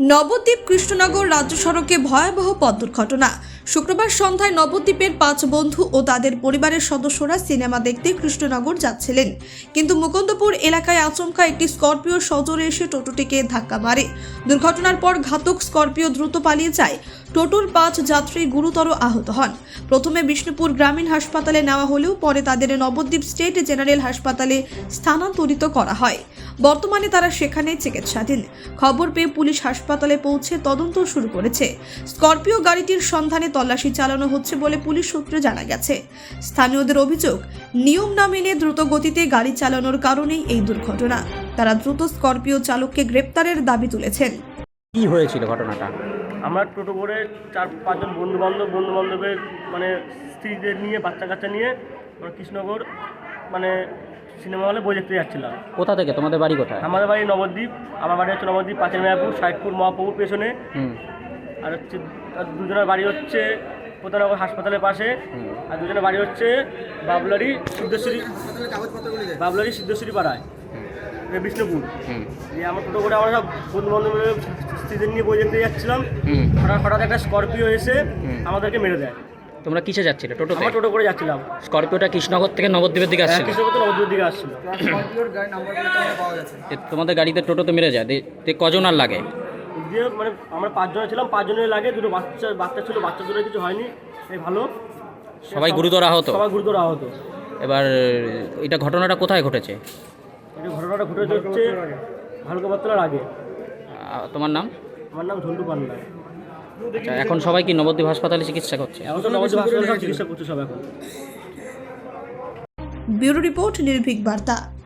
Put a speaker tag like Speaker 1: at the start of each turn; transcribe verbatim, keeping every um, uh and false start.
Speaker 1: নবদ্বীপ কৃষ্ণনগর রাজ্য সড়কে ভয়াবহ পথ দুর্ঘটনা। শুক্রবার সন্ধ্যায় নবদ্বীপের পাঁচ বন্ধু ও তাদের পরিবারের সদস্যরা সিনেমা দেখতে কৃষ্ণনগর যাচ্ছিলেন, কিন্তু মুকুন্দপুর এলাকায় আচমকা একটি স্করপিও সজোরে এসে টোটোটিকে ধাক্কা মারে। দুর্ঘটনার পর ঘাতক স্করপিও দ্রুত পালিয়ে যায়। টোটোর পাঁচ যাত্রী গুরুতর আহত হন। প্রথমে বিষ্ণুপুর গ্রামীণ হাসপাতালে নেওয়া হলেও পরে তাদের নবদ্বীপ স্টেট জেনারেল হাসপাতালে স্থানান্তরিত করা হয়। বর্তমানে তারা সেখানে চিকিৎসাধীন। খবর পেয়ে পুলিশ হাসপাতালে পৌঁছে তদন্ত শুরু করেছে। স্করপিও গাড়িটির সন্ধানে তল্লাশি চালানো হচ্ছে বলে পুলিশ সূত্রে জানা গেছে। স্থানীয়দের অভিযোগ, নিয়ম না মেনে দ্রুত গতিতে গাড়ি চালানোর কারণেই এই দুর্ঘটনা। তারা দ্রুত স্করপিও চালককে গ্রেপ্তারের দাবি তুলেছেন।
Speaker 2: কি হয়েছিল ঘটনাটা?
Speaker 3: আমরা টোটো করে চার পাঁচজন বন্ধু বান্ধব বন্ধু বান্ধবের মানে স্ত্রীদের নিয়ে বাচ্চা কাচ্চা নিয়ে আমরা কৃষ্ণনগর মানে সিনেমা হলে বই দেখতে যাচ্ছিলাম।
Speaker 2: কোথা থেকে? তোমাদের বাড়ি কোথায়?
Speaker 3: আমাদের বাড়ি নবদ্বীপ। আমার বাড়ি হচ্ছে নবদ্বীপ পাঁচের মেয়াপুর সাইদপুর মহাপ্রভুর পেছনে।
Speaker 2: হুম
Speaker 3: আর হচ্ছে আর দুজনের বাড়ি হচ্ছে প্রতারনগর হাসপাতালের পাশে। আর দুজনের বাড়ি হচ্ছে বাবলারি সিদ্ধেশ্বরী বাবলারি সিদ্ধেশ্বরী পাড়ায় বিষ্ণুপুর।
Speaker 2: হুম
Speaker 3: দিয়ে আমরা টোটো করে আমরা সব বন্ধু বান্ধবের স্ত্রীদের নিয়ে বই দেখতে যাচ্ছিলাম।
Speaker 2: হুম
Speaker 3: হঠাৎ হঠাৎ একটা স্করপিও এসে
Speaker 2: হুম।
Speaker 3: আমাদেরকে মেরে দেয়।
Speaker 2: তোমরা কিসে যাচ্ছিলে? টোটোতে?
Speaker 3: আমরা টোটো করে যাচ্ছিলাম।
Speaker 2: স্করপিওটা কৃষ্ণনগর থেকে নবদ্বীপের দিকে আসছিল?
Speaker 3: কৃষ্ণনগর থেকে নবদ্বীপের দিকে আসছিল।
Speaker 2: এ তোমাদের গাড়িতে টোটোতে মেরে যায়? দে- তে কজন আর লাগে?
Speaker 3: দিয়ে মানে আমরা পাঁচজনে ছিলাম, পাঁচজনের লাগে দুটো বাচ্চা বাচ্চা ছিল, বাচ্চা দুটো কিছু হয়নি, এই ভালো।
Speaker 2: সবাই গুরুতর আহত?
Speaker 3: সবাই গুরুতর আহত।
Speaker 2: এবার এটা ঘটনাটা কোথায় ঘটেছে?
Speaker 3: এটা ঘটনাটা ঘটেছে হচ্ছে ভালুকাবাতলার আগে।
Speaker 2: আহ, তোমার নাম?
Speaker 3: আমার নাম ঝন্টু পান্ডা।
Speaker 2: আচ্ছা, এখন সবাই কি নবদ্বীপ হাসপাতালে চিকিৎসা করছে?
Speaker 3: এখন তো নবদ্বীপ হাসপাতালে সব চিকিৎসা করছে সব এখন।
Speaker 1: ব্যুরো রিপোর্ট, নির্ভীক বার্তা।